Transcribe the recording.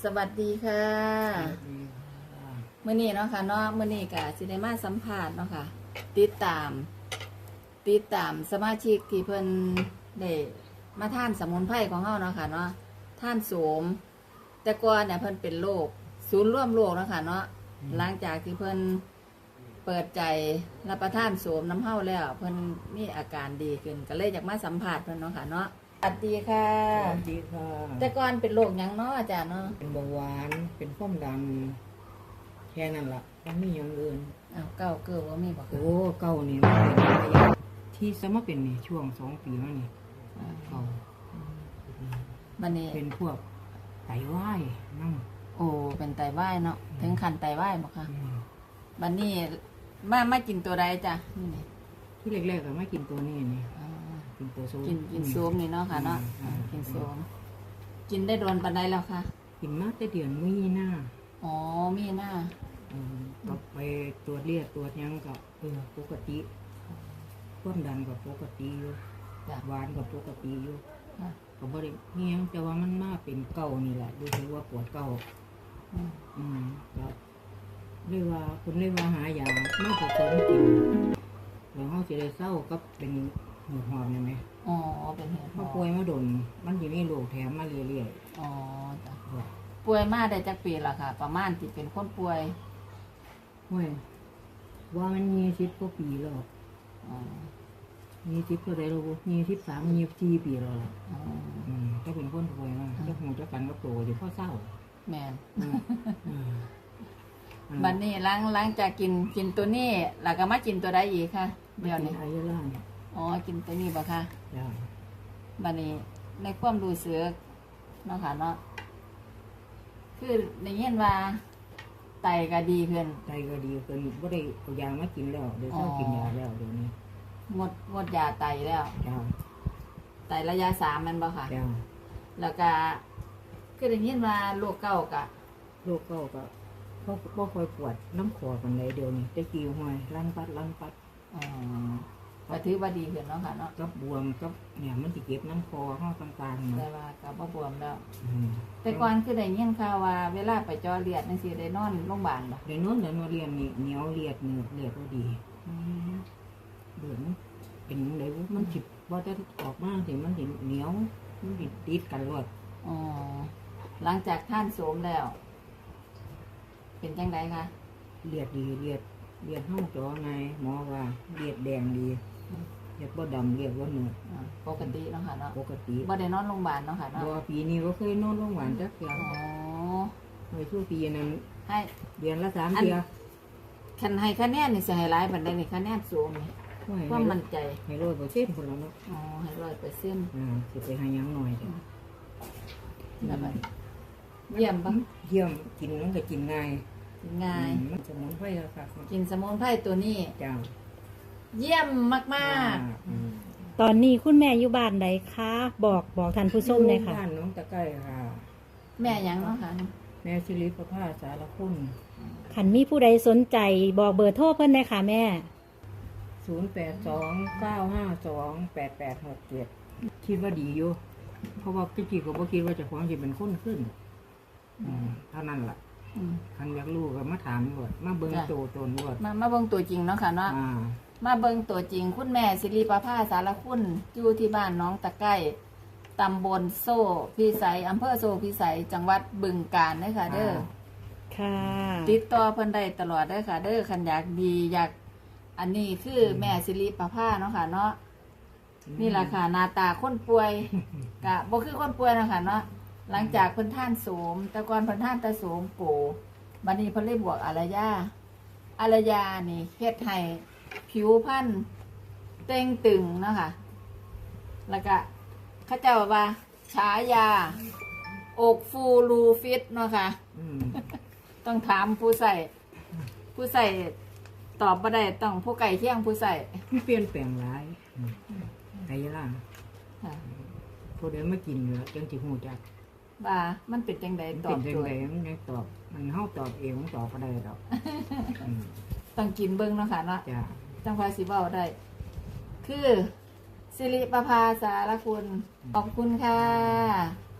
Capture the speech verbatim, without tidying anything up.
สวัสดีค่ะมื้อนี้เนาะค่ะเนาะมื้อนี้ก็สิได้มาสัมภาษณ์เนาะค่ะติดตาม ติดตามสมาชิกที่เพิ่นได้มาทานสมุนไพรของเฮาเนาะค่ะเนาะทานโสมแต่ก่อนเนี่ยเพิ่นเป็นโรคศูนย์ร่วมโรคเนาะค่ะเนาะหลังจากที่เพิ่นเปิดใจรับประทานโสมน้ำเฮาแล้วเพิ่นมีอาการดีขึ้นก็เลยอยากมาสัมภาษณ์เพิ่นเนาะค่ะเนาะสวัสดีค่ะสวัสดีค่ะแต่ก่อนเป็นโรคหยังเนาะอาจารย์เนาะเป็นเบาหวาน เป็นความดันแค่นั้นละมันไม่อย่างอื่นอ้าวเก้าเกิดว่ามีบ่คะโอ้เก่านี่มันเป็นระยะที่สมาเป็นนี่ช่วงสองปีมานี่เก่าบัดนี้เป็นพวกไตวายนั่งโอ้เป็นไตวายเนาะถึงขั้นไตวายบ่คะอืมบัดนี้มามากินตัวใดจ้ะนี่นี่ที่แรกๆก็ไม่กินตัวนี้นี่อ่ากินตัวโซกินกินโซมนี่เนาะค่ะเนาะอืมกินโซมกินได้โดนปานใดแล้วค่ะกินมาแต่เดือนมีหน้าอ๋อมีหน้าอืมก็ไปตรวจเลือดตรวจหยังก็เออปกติความดันก็ปกติอยู่จ้ะหวานก็ปกติอยู่ค่ะก็บ่ได้เฮียงแต่ว่ามันมาเป็นเก่านี่แหละดูถือว่าปวดเก่าอืมอืมก็เรียกว่าคุณเรียกว่าหายามาผสมกินแล้วเขาจะได้เศร้าก็เป็นหัวหอมนี่ไหมอ๋อเป็นเหตุเขาป่วยมาโดนมันจะมีโรคแถมมาเรื่อยอ๋อจ้ะๆว่าป่วยมาได้จักปีละค่ะ ประมาณที่เป็นคนป่วยห้วยว่ามันมีสิบกว่าปีแล้วอ๋อมีสิบก็ได้แล้วมีสิบสามมีสี่ปีแล้วล่ะอ๋ออืมถ้าเป็นคนป่วยมาจะหูจะกันก็โตอยู่พ่อเศร้าแม่นอืมอืมบัดนี้หลังหลังจากกินกินตัวนี้แล้วก็มากินตัวใดอีกค่ะเดี๋ยวนี้อายาล่าเนี่ยอ๋อกินตัวนี้บ่ค่ะจ้าบัดนี้ในความรู้สึกเนาะค่ะเนาะคือได้ยินว่าไตก็ดีขึ้นใจก็ดีขึ้นบ่ได้เอายามากินแล้วเดี๋ยวเศร้ากินยาแล้วเดี๋ยวนี้หมดหมดยาไตแล้วจ้าไตระยะสามแมันบ่ค่ะจ้าแล้วก็คือได้ยินว่าโรคเก้ากะโรคเก้าก็บ่บ่ค่อยปวดน้ำคอปานใดเดี๋ยวนี้แต่กี้ห้วยลั่นปัดลั่นปัดอ๋อก็ถือว่าดีขึ้นเนาะค่ะเนาะกับบวมกับเนี่ยมันสิเก็บน้ำคอเฮาต่างๆแต่นะว่าก็บ่บวมแล้วอืมแต่ก่อนคือได้ยินข่าวว่าเวลาไปเจอเลือดจังซี่ได้นอนโรงพยาบาลบ่เดี๋ยวโนู้นเดี๋ยวโนู้นเรียนนี่เหนียวเลียดเนื้อเลียดบ่ดีอืมเดือนเป็นจังได๋มันสิบ่จะออกมาสิมันสิเหนียวมันสิติดกันรวดอ๋อหลังจากท่านโสมแล้ว เป็นจังไดคะเลียดดีเลียดเลียดเฮาจ่อไงหมอว่าเลียดแดงดีเลียดบ่ดำเลียดบ่เนื้ออ่าปกติเนาะค่ะเนาะปกติบ่ได้นอนโรงพยาบาลเนาะค่ะเนาะบ่ปีนี้บ่เคยนอนโรงพยาบาลจักเทื่ออ๋อเคยสู้ปีนั้นให้เดือนละสามเทื่อคันให้คะแนนนี่สิให้หลายปานใดนี่คะแนนสูงนี่โอ้ยความมั่นใจให้ร้อยเปอร์เซ็นต์คนละเนาะอ๋อให้ร้อยเปอร์เซ็นต์อ่าสิไปหาหยังหน่อยจ้ะแล้วบัดเยี่ยมปะเยี่ยมกินมันก็กินง่ายง่ายอืมมันสมุนไพรแล้วค่ะกินสมุนไพรตัวนี้จ้าเยี่ยมมากอืมตอนนี้คุณแม่อยู่บ้านใดคะ บอกบอกท่านผู้ชมเลยค่ะบ้านน้องตะไคร้ค่ะๆ แม่หยังเนาะค่ะแม่ชิริประภาสารคุณขันมีผู้ใดสนใจบอกเบอร์โทรเพิ่นเลยค่ะแม่ศูนย์แปดสองเก้าห้าสองแปดแปดหกเจ็ดคิดว่าดีอยู่ เพราะว่าพี่จีก็บ่คิดว่าเจะของจะเป็นคนขึ้นอืมเท่านั้นล่ะอืมคันอยากรู้ก็มาถามหมดมาเบิ่งจ้ะโตตนหมดมามาเบิ่งตัวจริงเนาะค่ะเนาะอ่ามาเบิ่งตัวจริงคุณแม่สิริประภาสารคุณอยู่ที่บ้านน้องตะไคร้ตำบลโซ่พิสัยอำเภอโซ่พิสัยจังหวัดบึงกาฬเด้อค่ะ เด้อค่ะติดต่อเพิ่นได้ตลอดเด้อค่ะ เด้อคันอยากดีอยากอันนี้คือแม่สิริประภาเนาะค่ะเนาะนี่แหละค่ะหน้าตาคนป่วยกะบ่คือคนป่วยเนาะค่ะเนาะหลังจากเพิ่นท่านโสมแต่ก่อนเพิ่นท่านแต่โสมโปบัดนี้เพิ่นเลยบวกอารยาอารยานี่เฮ็ดให้ผิวพรรณเต่งตึงเนาะค่ะแล้วก็เขาเจ้าว่าฉายาอกฟูรูฟิตเนาะค่ะอืมต้องถามผู้ใส่ ผู้ใส่ตอบมาได้ต้องผู้ไก่เที่ยงผู้ใส่มันเปลี่ยนแปลงหลายอืมไอ้ล่ะค่ะพอเดี๋ยวมากินเหลือจังสิฮู้จักว่ามันเป็นจังใดมันตอเป็บนจัโจงทไดย์มันยังตอบ มันเฮาตอบเองมันตอบบ่ได้ดอกอืมต้องกินเบิ้งเนาะค่ะเนาะจ้าจังพาสิเว้าได้ คือสิริประภาสารคุณขอบคุณค่ะ